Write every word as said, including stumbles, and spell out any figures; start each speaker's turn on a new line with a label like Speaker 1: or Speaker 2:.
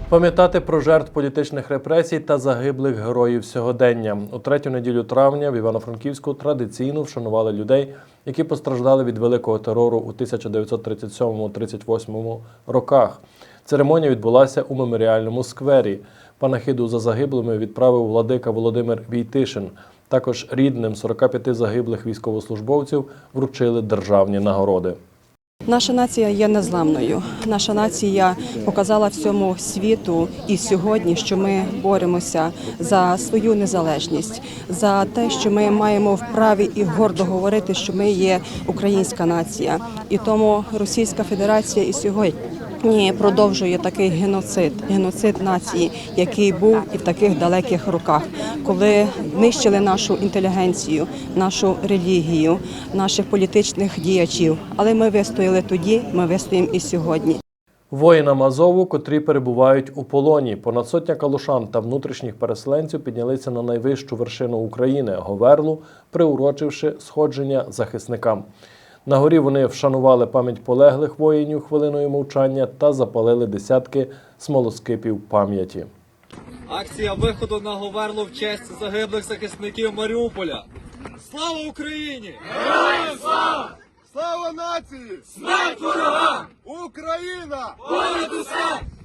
Speaker 1: Пам'ятати про жертв політичних репресій та загиблих героїв сьогодення. У третю неділю травня в Івано-Франківську традиційно вшанували людей, які постраждали від великого терору у тисяча дев'ятсот тридцять сьомому - тридцять восьмому роках. Церемонія відбулася у меморіальному сквері. Панахиду за загиблими відправив владика Володимир Війтишин. Також рідним сорока п'яти загиблих військовослужбовців вручили державні нагороди.
Speaker 2: Наша нація є незламною. Наша нація показала всьому світу і сьогодні, що ми боремося за свою незалежність, за те, що ми маємо вправі і гордо говорити, що ми є українська нація. І тому Російська Федерація і сьогодні продовжує такий геноцид, геноцид нації, який був і в таких далеких роках, коли нищили нашу інтелігенцію, нашу релігію, наших політичних діячів. Але ми вистояли тоді, ми вистоїмо і сьогодні.
Speaker 1: Воїнам Азову, котрі перебувають у полоні. Понад сотня калушан та внутрішніх переселенців піднялися на найвищу вершину України – Говерлу, приурочивши сходження захисникам. На горі вони вшанували пам'ять полеглих воїнів хвилиною мовчання та запалили десятки смолоскипів пам'яті.
Speaker 3: Акція виходу на Говерлу в честь загиблих захисників Маріуполя. Слава Україні!
Speaker 4: Героям слава! Слава нації!
Speaker 3: Смерть ворогам!
Speaker 4: Україна!
Speaker 3: Понад усе!